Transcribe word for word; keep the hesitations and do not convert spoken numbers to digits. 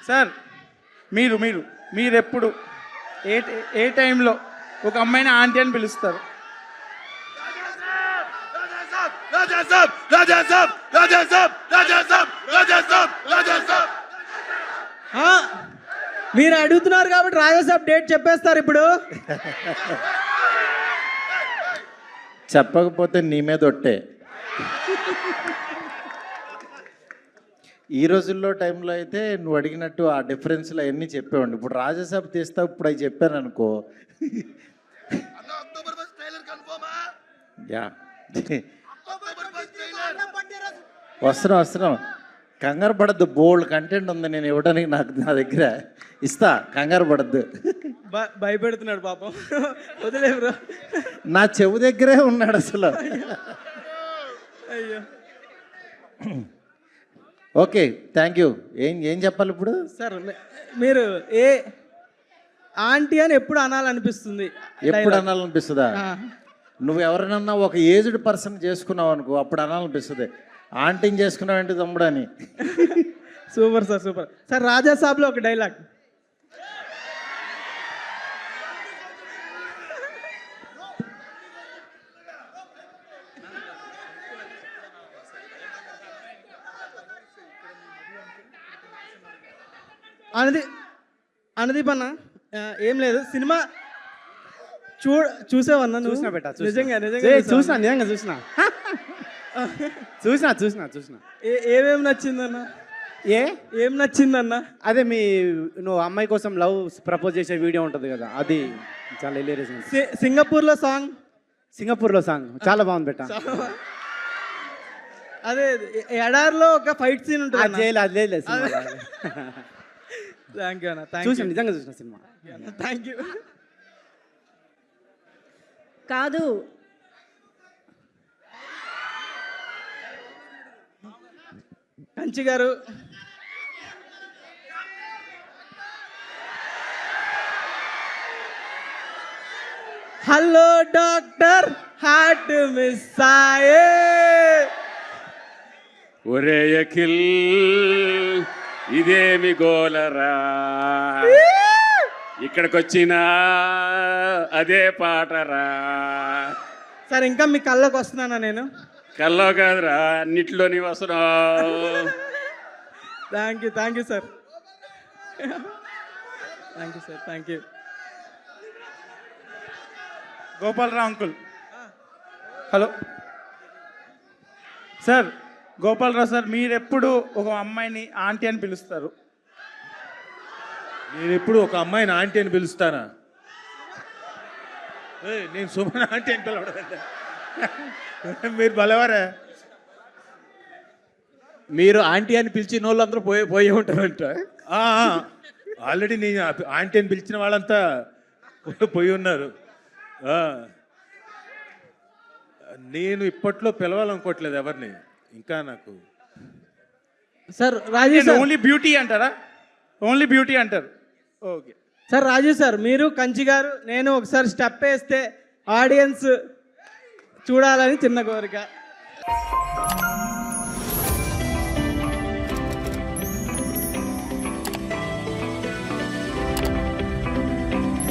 Sir మీరు మీరు మీరు ఎప్పుడు ఏ ఏ టైంలో ఒక అమ్మాయిని ఆంటీ అని పిలుస్తారు? మీరు అడుగుతున్నారు కాబట్టి రాజాసాబ్ డేట్ చెప్పేస్తారు ఇప్పుడు. చెప్పకపోతే నీ మీద ఒట్టే. ఈ రోజుల్లో టైంలో అయితే నువ్వు అడిగినట్టు ఆ డిఫరెన్స్లు అవన్నీ చెప్పేవాడి. ఇప్పుడు రాజాసాబ్ తీస్తా ఇప్పుడు అవి చెప్పాను అనుకో. యా వస్తున్నాం వస్తున్నాం కంగారు పడద్దు. బోల్డ్ కంటెంట్ ఉంది నేను ఇవ్వడానికి, నాకు నా దగ్గర ఇస్తా, కంగారు పడద్దు. భయపెడుతున్నాడు పాపం, వదిలే బ్రో. నా చెవు దగ్గరే ఉన్నాడు అసలు. అయ్యో ఓకే థ్యాంక్ యూ. ఏం ఏం చెప్పాలి ఇప్పుడు? సార్ మీరు ఏ ఆంటీ అని ఎప్పుడు అనాలనిపిస్తుంది? ఎప్పుడు అనాలనిపిస్తుందా? నువ్వు ఎవరినన్నా ఒక ఏజ్డ్ పర్సన్ చేసుకున్నావు అనుకో, అప్పుడు అనాలనిపిస్తుంది. ఆంటీని చేసుకున్నావు ఏంటి తమ్ముడు అని. Super sir super. సార్ రాజాసాబ్లో ఒక డైలాగ్. అనది అనదీప్ అన్న ఏం లేదు, సినిమా చూ చూసావన్నా నువ్వు? చూసినా బెట్ట, నిజంగా నిజంగా చూసినా నిజంగా చూసినా చూసినా చూసినా చూసినా ఏమేమి నచ్చిందన్న? ఏ ఏం నచ్చిందన్న? అదే మీ నువ్వు అమ్మాయి కోసం లవ్ ప్రపోజ్ చేసే వీడియో ఉంటుంది కదా, అది చాలా హిలేరియస్. సింగపూర్లో సాంగ్, సింగపూర్లో సాంగ్ చాలా బాగుంది బెట్ట. అదే ఎడార్లో ఒక ఫైట్ సీన్ ఉంటుంది. జైలు అది లేదు. థ్యాంక్ యూ అన్న, చూసాను నిజంగా చూసిన సినిమా. Thank you. కాదు కంచి గారు, హలో డాక్టర్ హార్ట్ మిస్ ఆయే. ఒరే అఖిల్ ఇదేమి గోలరా, ఇక్కడికి వచ్చినా అదే పాటరా. సార్ ఇంకా మీ కళ్ళకు వస్తున్నానా నేను? కల్లో కాదురా అన్నిట్లో నీ వస్తున్నావు. Thank you thank you sir, thank you sir, thank you. Gopalarao uncle, hello sir. Gopalarao sir, మీరు ఎప్పుడు ఒక అమ్మాయిని ఆంటీ అని పిలుస్తారు? నేను ఎప్పుడు ఒక అమ్మాయిని ఆంటీ అని పిలుస్తానా? నేను సుమన్ ఆంటీ అని పిలవడం. మీరు బలవారా? మీరు ఆంటీ అని పిలిచిన వాళ్ళందరూ పోయి పోయి ఉంటారంట. ఆల్రెడీ నేను ఆంటీ అని పిలిచిన వాళ్ళంతా పోయి ఉన్నారు. నేను ఇప్పట్లో పిలవాలనుకోవట్లేదు ఎవరిని ఇంకా. నాకు సార్ రాజేష్ ఓన్లీ బ్యూటీ అంటారా? ఓన్లీ బ్యూటీ అంటారు. Okay sir. రాజేష్ సార్, మీరు కంచి గారు నేను ఒకసారి స్టెప్ వేస్తే ఆడియన్స్ చూడాలని చిన్న కోరిక.